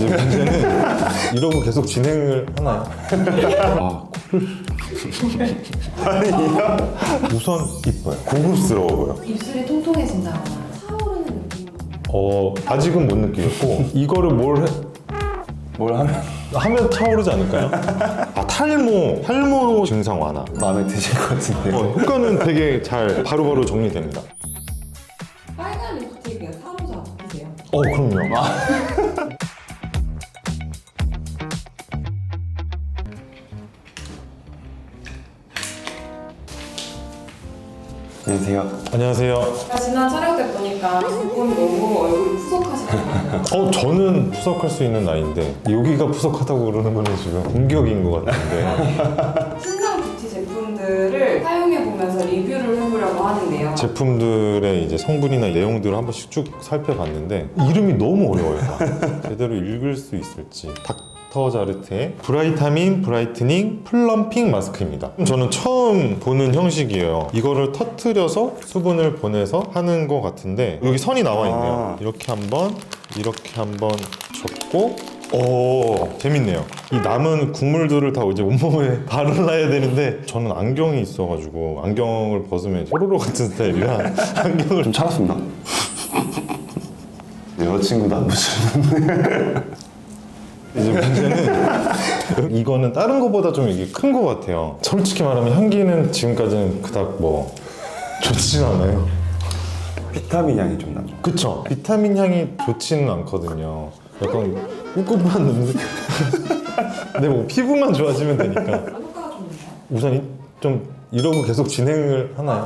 이제 문제는 이러고 계속 진행을 하나요? 아, 코를 아니요. 우선 이뻐요. 고급스러워 보여. 입술이 통통해진다거나 차오르는 느낌이 아직은 못 느끼겠고 이거를 뭘 하면 차오르지 않을까요? 아, 탈모 증상 완화. 마음에 드실 것 같은데요. 효과는 되게 잘 바로바로 정리됩니다. 빨간 립스틱은 사로자 피세요? 그럼요. 안녕하세요. 안녕하세요. 지난 촬영 때 보니까 두 분 너무 얼굴이 푸석하시더라고요. 저는 푸석할 수 있는 나이인데 여기가 푸석하다고 그러는 거는 지금 공격인 것 같은데 신상 뷰티 제품들을 사용해보면서 리뷰를 해보려고 하는데요. 제품들의 이제 성분이나 내용들을 한 번씩 쭉 살펴봤는데 이름이 너무 어려워요. 다. 제대로 읽을 수 있을지. 닥터자르트의 브라이타민 브라이트닝 플럼핑 마스크입니다. 저는 처음 보는 형식이에요. 이거를 터트려서 수분을 보내서 하는 것 같은데 여기 선이 나와 있네요. 이렇게 한번 접고 재밌네요. 이 남은 국물들을 다 이제 온몸에 바르라야 되는데 저는 안경이 있어가지고 안경을 벗으면 뽀로로 같은 스타일이라 안경을 좀 차갑습니다. 여자친구도 안 보시는데. 이제 문제는 이거는 다른 거보다 좀 이게 큰 거 같아요. 솔직히 말하면 향기는 지금까지는 그닥 뭐 좋지는 않아요. 비타민 향이 좀 나죠. 그쵸? 비타민 향이 좋지는 않거든요. 약간 꿉꿉한 냄새. 근데 뭐 피부만 좋아지면 되니까. 효과가 좋나요? 우선 좀 이러고 계속 진행을 하나요?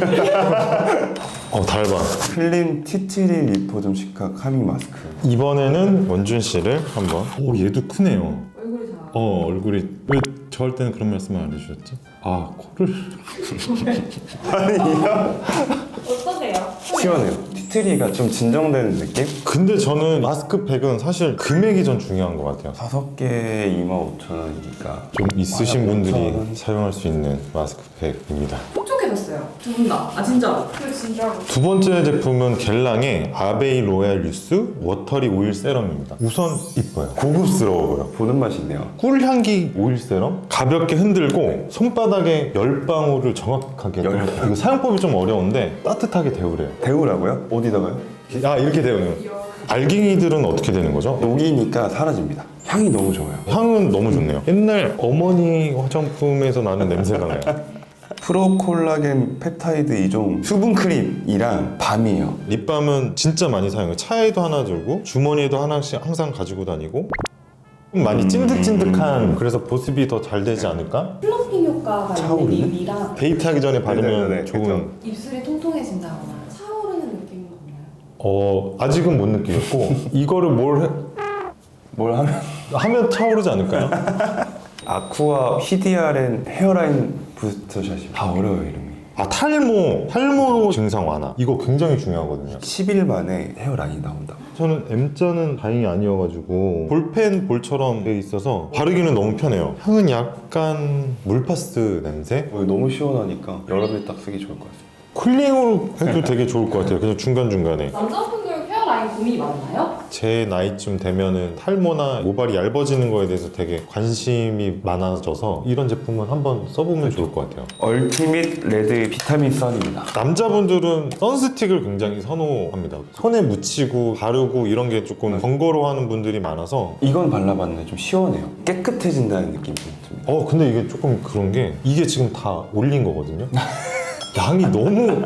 달바. 클린 티트리 리포좀 시카 카밍 마스크. 이번에는 원준 씨를 한번. 얘도 크네요. 얼굴이 잘 얼굴이 왜 저 할 때는 그런 말씀을 안 해주셨지? 코를 아니요. 어떠세요? 시원해요. 티트리가 좀 진정되는 느낌? 근데 저는 마스크팩은 사실 금액이 전 중요한 것 같아요. 5개에 25,000원이니까 좀 있으신 분들이 15,000원. 사용할 수 있는 마스크팩입니다. 촉촉해졌어요. 두 분 다. 진짜로. 진짜로. 두 번째 제품은 겔랑의 아베이 로얄 유스 워터리 오일 세럼입니다. 우선 이뻐요. 고급스러워 보여. 보는 맛이 있네요. 꿀향기 오일 세럼 가볍게 흔들고 손바닥에 10방울을 정확하게 이거 사용법이 좀 어려운데 따뜻하게 데우래요. 데우라고요? 어디다가요? 이렇게 데우는. 알갱이들은 어떻게 되는 거죠? 녹이니까 사라집니다. 향이 너무 좋아요. 향은 너무 좋네요. 옛날 어머니 화장품에서 나는 냄새가 나요. 프로콜라겐 펩타이드 2종 수분 크림이랑 밤이에요. 립밤은 진짜 많이 사용해요. 차에도 하나 들고 주머니에도 하나씩 항상 가지고 다니고 좀 많이 찐득찐득한 그래서 보습이 더 잘 되지 않을까? 플럼핑 효과가 있는 차오르네? 립이랑 데이트하기 전에 바르면 네네네, 좋은 그쵸. 입술이 통통해진다거나 차오르는 느낌이 없나요? 아직은 못 느끼겠고 이거를 뭘 하면 차오르지 않을까요? 아쿠아 히디아렌 헤어라인 부스터샷이 다 어려워요 이름이. 탈모 증상 완화 이거 굉장히 중요하거든요. 10일 만에 헤어라인이 나온다. 저는 M자는 다행히 아니어가지고 볼펜 볼처럼 돼 있어서 바르기는 너무 편해요. 향은 약간 물파스 냄새? 너무 시원하니까 여름에 딱 쓰기 좋을 것 같아요. 쿨링으로 해도 되게 좋을 것 같아요. 그냥 중간중간에. 남자분들 헤어라인 고민이 많나요? 제 나이쯤 되면은 탈모나 모발이 얇아지는 거에 대해서 되게 관심이 많아져서 이런 제품은 한번 써보면 좋을 것 같아요. 얼티밋 레드 비타민 선입니다. 남자분들은 선스틱을 굉장히 선호합니다. 손에 묻히고 바르고 이런 게 조금 번거로워하는 분들이 많아서 이건 발라봤는데 좀 시원해요. 깨끗해진다는 느낌이 좀 듭니다. 근데 이게 조금 그런 게 이게 지금 다 올린 거거든요. 양이 너무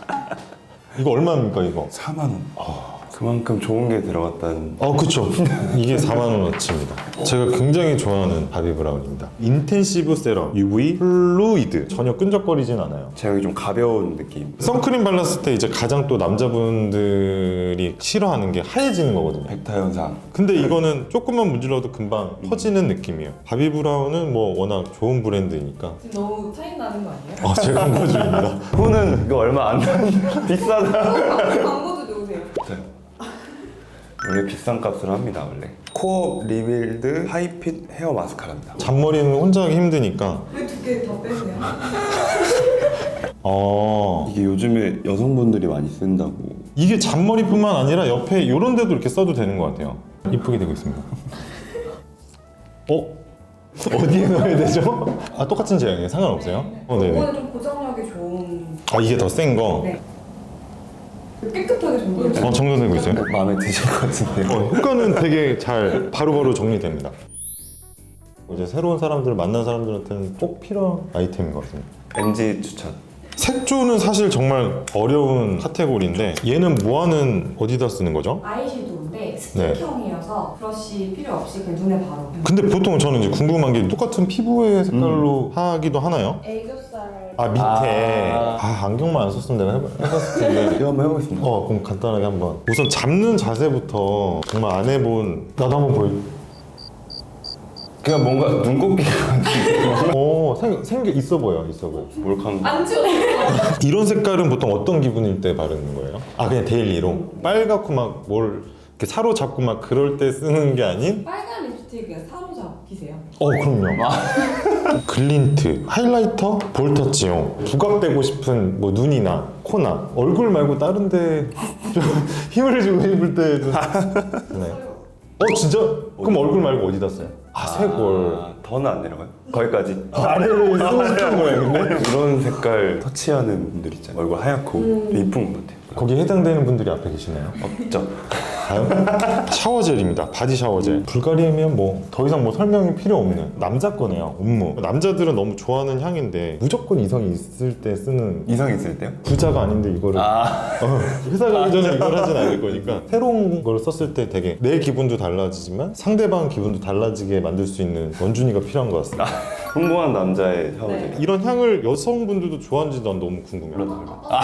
이거 얼마입니까 이거? 4만 원. 그만큼 좋은 게 들어갔다는. 그쵸. 이게 4만원어치입니다. 제가 굉장히 좋아하는 바비브라운입니다. 인텐시브 세럼 UV 플루이드 전혀 끈적거리진 않아요. 제형이 좀 가벼운 느낌. 선크림 발랐을 때 이제 가장 또 남자분들이 싫어하는 게 하얘지는 거거든요. 백타 현상. 근데 이거는 조금만 문질러도 금방 퍼지는 느낌이에요. 바비브라운은 뭐 워낙 좋은 브랜드니까 지금 너무 차이 나는 거 아니에요? 제가 광고주입니다. 후는 이거 얼마 안 나는 비싸다. 광고도 좋으세요. 원래 비싼 값으로 합니다 원래. 코어 리빌드 하이핏 헤어 마스카라입니다. 잔머리는 혼자 하기 힘드니까 왜 두 개 다 빼세요? 이게 요즘에 여성분들이 많이 쓴다고. 이게 잔머리뿐만 아니라 옆에 이런 데도 이렇게 써도 되는 것 같아요. 이쁘게 되고 있습니다. 어디에 넣어야 되죠? 아, 똑같은 제형이에요? 상관없어요? 네네. 이거는 좀 고정력이 좋은. 아, 이게 더 센 거? 네. 깨끗하게 정돈되고. 정돈되고 있어요? 마음에 드실 것 같은데요. 효과는 되게 잘 바로바로 정리됩니다. 이제 새로운 사람들을 만난 사람들한테는 꼭 필요한 아이템인 것 같습니다. NG 추천. 색조는 사실 정말 어려운 카테고리인데 얘는 뭐하는 어디다 쓰는 거죠? 아이섀도우인데 스틱형이어서 브러쉬 필요 없이 그냥 눈에 바로. 근데 보통 저는 이제 궁금한 게 똑같은 피부의 색깔로 하기도 하나요? 애교살. 아, 밑에. 안경만 안 썼으면 내가 해봤을 텐데. 이거 한번 해보겠습니다. 그럼 간단하게 한번. 우선 잡는 자세부터 정말 안 해본. 나도 한번 보여. 그냥 뭔가 눈곱이가 생게 있어 보여. 몰캉. 안 좋아. 이런 색깔은 보통 어떤 기분일 때 바르는 거예요? 그냥 데일리로? 빨갛고 막 뭘 이렇게 사로잡고 막 그럴 때 쓰는 게 아닌? 빨간 립스틱 그냥 사로잡히세요. 그럼요. 글린트, 하이라이터, 볼터치용. 부각되고 싶은 뭐 눈이나 코나 얼굴 말고 다른 데 좀 힘을 주고 싶을 때도 네. 진짜? 그럼 얼굴 말고 어디다 써요? 쇄골. 더는 안 내려가요? 거기까지. 아래를 쓰고 싶은 거예요, 근데? 이런 색깔 터치하는 분들 있잖아요. 얼굴 하얗고 이쁜 것 같아요. 거기에 해당되는 분들이 앞에 계시나요? 없죠. 다음 샤워젤입니다. 바디 샤워젤. 불가리아면 뭐 더 이상 뭐 설명이 필요 없는 남자 거네요. 음무. 남자들은 너무 좋아하는 향인데 무조건 이성이 있을 때 쓰는 이성 있을 때요? 부자가 아닌데 이거를 회사 가기 전에 이걸 하진 않을 거니까 새로운 걸 썼을 때 되게 내 기분도 달라지지만 상대방 기분도 달라지게 만들 수 있는 원준이가 필요한 것 같습니다. 성공한 남자의 샤워젤. 이런 향을 여성분들도 좋아하는지 난 너무 궁금해요.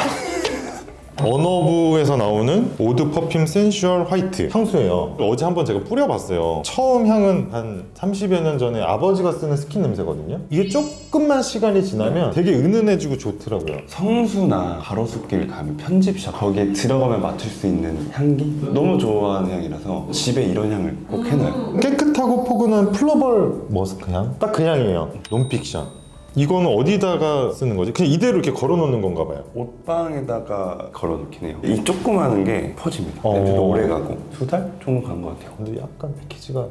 언어부에서 나오는 오드 퍼퓸 센슈얼 화이트 향수예요. 어제 한번 제가 뿌려봤어요. 처음 향은 한 30여 년 전에 아버지가 쓰는 스킨 냄새거든요. 이게 조금만 시간이 지나면 되게 은은해지고 좋더라고요. 성수나 가로수길 가면 편집샵 거기에 들어가면 맡을 수 있는 향기? 너무 좋아하는 향이라서 집에 이런 향을 꼭 해놔요. 깨끗하고 포근한 플러벌 머스크 향? 딱 그 향이에요. 논픽션. 이거는 어디다가 쓰는 거지? 그냥 이대로 이렇게 걸어놓는 건가 봐요. 옷방에다가 걸어놓긴 해요. 이 조그마한 게 퍼집니다. 냄새도 오래 가고 2달 정도 간 것 같아요. 근데 약간 패키지가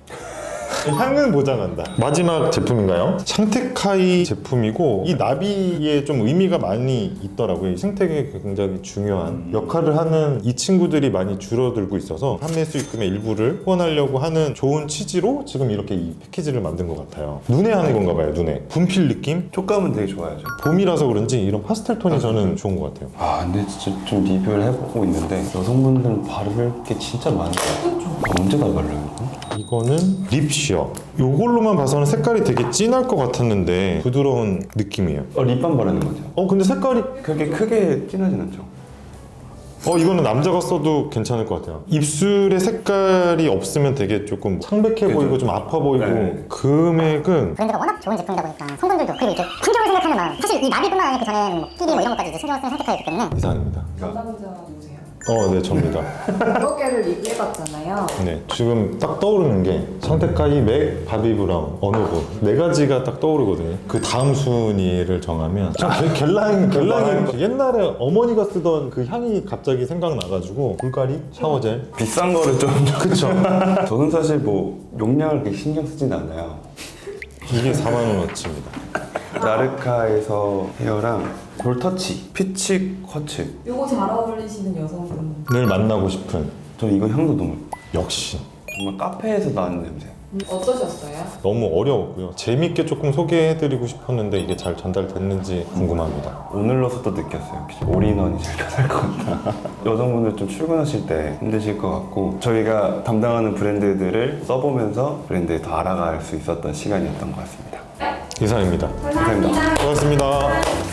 향은 보장한다. 마지막 제품인가요? 샹테카이 제품이고 이 나비에 좀 의미가 많이 있더라고요. 이 생태계에 굉장히 중요한 역할을 하는 이 친구들이 많이 줄어들고 있어서 판매 수익금의 일부를 후원하려고 하는 좋은 취지로 지금 이렇게 이 패키지를 만든 것 같아요. 눈에 하는 건가 봐요. 눈에 분필 느낌? 촉감은 되게 좋아요. 봄이라서 그런지 이런 파스텔 톤이 저는 좋은 것 같아요. 근데 진짜 좀 리뷰를 해보고 있는데 여성분들 바를 게 진짜 많아요. 언제 다 발라요? 이거는 립쉬어. 이걸로만 봐서는 색깔이 되게 진할 것 같았는데 부드러운 느낌이에요. 립밤 바르는 거죠? 근데 색깔이 그렇게 크게 진하진 않죠? 이거는 남자가 써도 괜찮을 것 같아요. 입술에 색깔이 없으면 되게 조금 창백해 그죠. 보이고 좀 아파 보이고 네. 금액은 브랜드가 워낙 좋은 제품이다 보니까 성분들도 그리고 이제 환경을 생각하는 마음 사실 이 나비뿐만 아니라 그 전에는 뭐 PD 뭐 이런 것까지 이제 신경을 쓰는 선택하기 때문에 이상입니다. 남자분자 누구세요? 네, 접니다. 여러 개를 리뷰해봤잖아요. 네, 지금 딱 떠오르는 게 샹테카이, 맥, 바비 브라운, 어노브 네 가지가 딱 떠오르거든요. 그 다음 순위를 정하면 겔랑이 옛날에 어머니가 쓰던 그 향이 갑자기 생각나가지고 불가리 샤워젤. 비싼 거를 좀 그쵸. 저는 사실 뭐 용량을 그렇게 신경 쓰진 않아요. 이게 4만원어치입니다. 나르카에서 헤어랑 볼터치, 피치 쿼츠. 요거 잘 어울리시는 여성분. 늘 만나고 싶은 저 이거 향도 너무 역시 정말 카페에서 나는 냄새. 어떠셨어요? 너무 어려웠고요. 재밌게 조금 소개해드리고 싶었는데 이게 잘 전달됐는지 궁금합니다. 오늘로서도 느꼈어요. 역시 올인원이 제일 편할 것 같다. 여성분들 좀 출근하실 때 힘드실 것 같고 저희가 담당하는 브랜드들을 써보면서 브랜드에 더 알아갈 수 있었던 시간이었던 것 같습니다. 이상입니다. 감사합니다. 고맙습니다.